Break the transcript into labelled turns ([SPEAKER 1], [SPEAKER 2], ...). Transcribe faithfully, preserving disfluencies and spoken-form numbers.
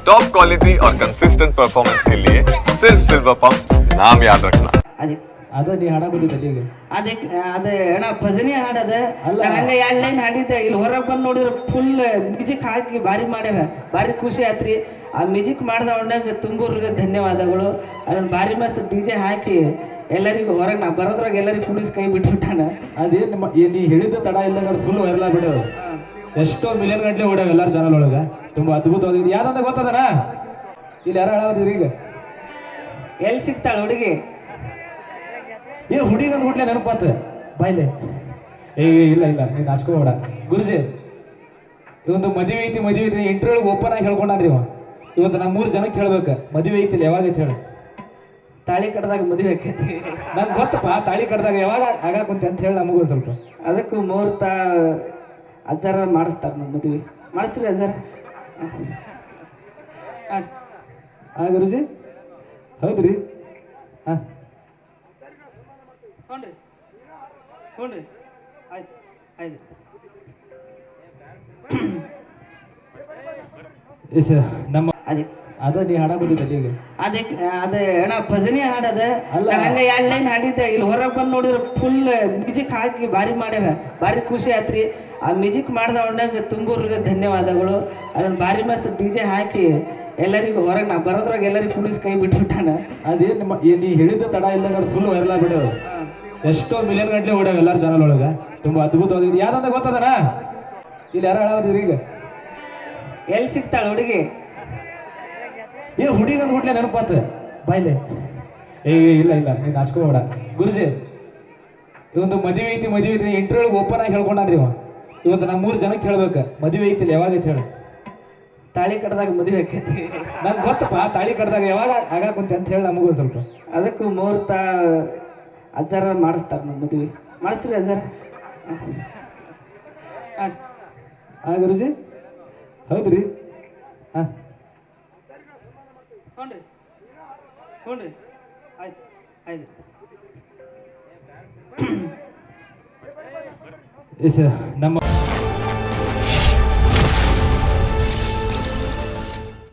[SPEAKER 1] Top quality और consistent performance के लिए सिर्फ सिल्वर पंप नाम याद रखना।
[SPEAKER 2] ಅದೇ
[SPEAKER 3] ಅದ ನೀ ಹಾಡ ಬಂದಿದ್ದಲ್ಲಿ ಈಗ
[SPEAKER 2] ಅದಕ್ಕೆ ಅದ ಅಣ್ಣ ಭಜನೆ ಹಾಡದ
[SPEAKER 3] ಅಲ್ಲ.
[SPEAKER 2] ಹಂಗ ಎರಡು ಲೈನ್ ಹಾಡಿದ್ದೆ ಇಲ್ಲಿ ಹೊರಗೆ ಬಂದು ನೋಡಿದ್ರೆ ಫುಲ್ ಮ್ಯೂಸಿಕ್ ಹಾಕಿ ಭಾರಿ ಮಾಡ್ಯಾರ ಭಾರಿ ಖುಷಿ ಆತ್ರಿ. ಆ ಮ್ಯೂಸಿಕ್ ಮಾಡಿದ ಅವನಾಗ ತುಂಬ ಧನ್ಯವಾದಗಳು. ಅದನ್ನ ಭಾರಿ ಮಸ್ತ್ ಡಿ ಜೆ ಹಾಕಿ ಎಲ್ಲರಿಗೂ ಹೊರಗೆ ನಾ ಬರೋದ್ರಾಗ ಎಲ್ಲರಿಗೂ ಕುಣಿಸ್ ಕೈ ಬಿಟ್ಬಿಟ್ಟಾನ.
[SPEAKER 3] ಅದೇನು ನಿಮ್ಮ ಏ ನೀ ಹೇಳಿದ ತಡ ಇಲ್ಲ ಫುಲ್ ವೈರಲ್ ಆಗ್ಬಿಡೋದು. ಎಷ್ಟೋ ಮಿಲಿಯನ್ ಗಂಟೆ ಓಡ್ಯಾವ ಎಲ್ಲಾರ ಚಾನಲ್ ಒಳಗೆ. ತುಂಬ ಅದ್ಭುತವಾಗಿದೆ. ಯಾವ್ದಂತ ಗೊತ್ತದನ ಇಲ್ಲಿ ಯಾರು ಹೇಳೋದ್ರಿ ಈಗ
[SPEAKER 2] ಎಲ್ಲಿ ಸಿಗ್ತಾಳ ಹುಡುಗಿ?
[SPEAKER 3] ಏ ಹುಡುಗಿ ಅಂದ್ ಹುಟ್ಲೆ ನೆನಪಾತ ಬಾಯ್ಲೆ. ಏ ಇಲ್ಲ ಇಲ್ಲ ನೀನು ಹಚ್ಕೋಬೇಡ ಗುರುಜಿ. ಇವೊಂದು ಮದುವೆ ಐತಿ ಮದುವೆ ಐತಿ ಇಂಟರ್ವ್ಯೂಗೆ ಓಪನ್ ಆಗಿ ಹೇಳ್ಕೊಂಡ್ರಿ ಇವ. ಇವತ್ತು ನಾ ಮೂರು ಜನಕ್ಕೆ ಹೇಳ್ಬೇಕು ಮದುವೆ ಐತಿಲ್ಲ ಯಾವಾಗ ಐತಿ ಹೇಳಿ.
[SPEAKER 2] ತಾಳಿ ಕಟ್ಟದಾಗ ಮದುವೆ ಆಕೈತಿ.
[SPEAKER 3] ನಂಗೆ ಗೊತ್ತಪ್ಪ ತಾಳಿ ಕಟ್ಟಿದಾಗ ಯಾವಾಗ ಆಗಾಕುಂತೆ ಅಂತ ಹೇಳಿ ನಮಗೂ ಸ್ವಲ್ಪ.
[SPEAKER 2] ಅದಕ್ಕೂ ಮುಹೂರ್ತ ಅಜ್ಜಾರ ಮಾಡಿಸ್ತಾರೆ ನಮ್ಮ ಮದುವೆ. ಮಾಡಿಸ್ತೀರಿ ಅಜ್ಜಾರ? ಹಾಂ
[SPEAKER 3] ಆ ಗುರುಜಿ ಹೌದ್ರಿ. ಹಾಂ
[SPEAKER 2] ಹ್ಞೂ ರೀ ಹ್ಞೂ ರೀ ಆಯ್ತು ಆಯ್ತು.
[SPEAKER 3] ಎಸ್ ನಮ್ಮ
[SPEAKER 2] ಅದೇ
[SPEAKER 3] ಅದ ನೀ ಹಾಡ ಬಂದಿದ್ದಲ್ಲಿ ಈಗ
[SPEAKER 2] ಅದಕ್ಕೆ ಅದ ಅಣ್ಣ ಭಜನೆ ಹಾಡದ
[SPEAKER 3] ಅಲ್ಲ.
[SPEAKER 2] ಹಂಗ ಎರಡು ಲೈನ್ ಹಾಡಿದ್ದೆ ಇಲ್ಲಿ ಹೊರಗೆ ಬಂದು ನೋಡಿದ್ರೆ ಫುಲ್ ಮ್ಯೂಸಿಕ್ ಹಾಕಿ ಭಾರಿ ಮಾಡ್ಯಾರ ಭಾರಿ ಖುಷಿ ಆತ್ರಿ. ಆ ಮ್ಯೂಸಿಕ್ ಮಾಡಿದ ಅವನಾಗ ತುಂಬ ಧನ್ಯವಾದಗಳು. ಅದನ್ನ ಭಾರಿ ಮಸ್ತ್ ಡಿ ಜೆ ಹಾಕಿ ಎಲ್ಲರಿಗೂ ಹೊರಗೆ ನಾ ಬರೋದ್ರಾಗ ಎಲ್ಲರಿಗೂ ಕುಣಿಸ್ ಕೈ ಬಿಟ್ಬಿಟ್ಟಾನ.
[SPEAKER 3] ಅದೇನು ನಿಮ್ಮ ಏ ನೀ ಹೇಳಿದ ತಡ ಇಲ್ಲ ಫುಲ್ ವೈರಲ್ ಆಗ್ಬಿಡೋದು. ಎಷ್ಟೋ ಮಿಲಿಯನ್ ಗಂಟೆ ಓಡ್ಯಾವ ಎಲ್ಲಾರ ಚಾನಲ್ ಒಳಗೆ. ತುಂಬ ಅದ್ಭುತವಾಗಿದೆ. ಯಾವ್ದಂತ ಗೊತ್ತದನ ಇಲ್ಲಿ ಯಾರು ಹೇಳೋದ್ರಿ ಈಗ
[SPEAKER 2] ಎಲ್ಲಿ ಸಿಗ್ತಾಳ ಹುಡುಗಿ?
[SPEAKER 3] ಏ ಹುಡುಗಿ ಅಂದ್ ಹುಟ್ಲೆ ನೆನಪಾತ ಬಾಯ್ಲೆ. ಏ ಇಲ್ಲ ಇಲ್ಲ ನೀನು ಹಚ್ಕೋಬೇಡ ಗುರುಜಿ. ಇವೊಂದು ಮದುವೆ ಐತಿ ಮದುವೆ ಐತಿ ಇಂಟರ್ವ್ಯೂಗೆ ಓಪನ್ ಆಗಿ ಹೇಳ್ಕೊಂಡ್ರಿ ಇವ. ಇವತ್ತು ನಾ ಮೂರು ಜನಕ್ಕೆ ಹೇಳ್ಬೇಕು ಮದುವೆ ಐತಿಲ್ಲ ಯಾವಾಗ ಐತಿ ಹೇಳಿ.
[SPEAKER 2] ತಾಳಿ ಕಟ್ಟದಾಗ ಮದುವೆ ಆಕೈತಿ.
[SPEAKER 3] ನಂಗೆ ಗೊತ್ತಪ್ಪ ತಾಳಿ ಕಟ್ಟಿದಾಗ ಯಾವಾಗ ಆಗಾಕುಂತೆ ಅಂತ ಹೇಳಿ ನಮಗೂ ಸ್ವಲ್ಪ.
[SPEAKER 2] ಅದಕ್ಕೂ ಮುಹೂರ್ತ ಅಜ್ಜಾರ ಮಾಡಿಸ್ತಾರೆ ನಮ್ಮ ಮದುವೆ. ಮಾಡಿಸ್ತೀರಿ ಅಜ್ಜಾರ? ಹಾಂ
[SPEAKER 3] ಆ ಗುರುಜಿ ಹೌದ್ರಿ. ಹಾಂ
[SPEAKER 2] ಹ್ಞೂ ರೀ ಹ್ಞೂ ರೀ ಆಯ್ತು ಆಯ್ತು.
[SPEAKER 3] ಎಸ್ ನಮ್ಮ